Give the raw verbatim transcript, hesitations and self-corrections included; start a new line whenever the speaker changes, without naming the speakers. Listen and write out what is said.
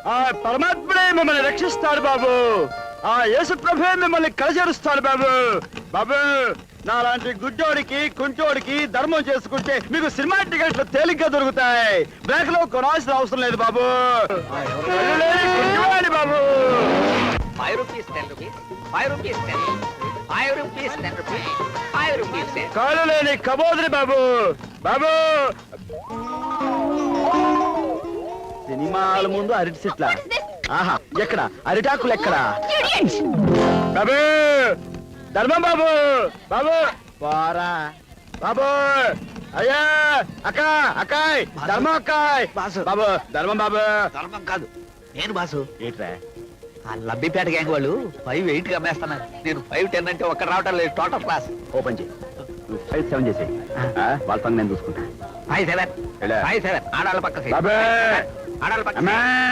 ఆ పరమాత్ముడే మిమ్మల్ని రక్షిస్తాడు బాబు. ఆ యేసు ప్రభువే మిమ్మల్ని కలచేరుస్తాడు బాబు. బాబు నాలాంటి గుడ్డోడికి కుంటోడికి ధర్మం చేసుకుంటే మీకు సినిమా టికెట్లు తేలిగ్గా దొరుకుతాయి. బ్లాక్ లో కొనాల్సిన అవసరం లేదు బాబు. కళ్ళు లేని గుడ్డివాడి బాబు.
Five rupees, ten rupees. Five rupees, ten. Five rupees, ten rupees. Five rupees, ten.
కాళ్ళు లేని కబోదిరి బాబు. బాబు సినిమాల ముందు అరటి చెట్ల. ఆహా ఎక్కడ అరిటాకులు ఎక్కడ? బాబు ధర్మం బాబు. బాబు పోరా బాబు. అయ్యా అక్క అక్కాయ్ ధర్మం అక్కాయ్. బాబు ధర్మం బాబు.
ధర్మం కాదు, నేను బాసు.
ఏంట్రా
ఆ లబ్బిపేట గ్యాంగ్ వాళ్ళు ఫైవ్ ఎయిట్ కి అమ్మేస్తున్నారు. నేను ఫైవ్ టెన్ అంటే ఒక్క రావటం లేదు. టోటల్ క్లాస్
ఓపెన్ చేయి. ఫైవ్ సెవెన్ చేసేయి. వాళ్ళ పని నేను చూసుకుంటా.
ఫైవ్ సెవెన్
ఎలా?
ఫైవ్ సెవెన్ ఆడాళ్ళ పక్క seat.
బాబే
ఆడాళ్ళ పక్క
అమ్మా.
seat.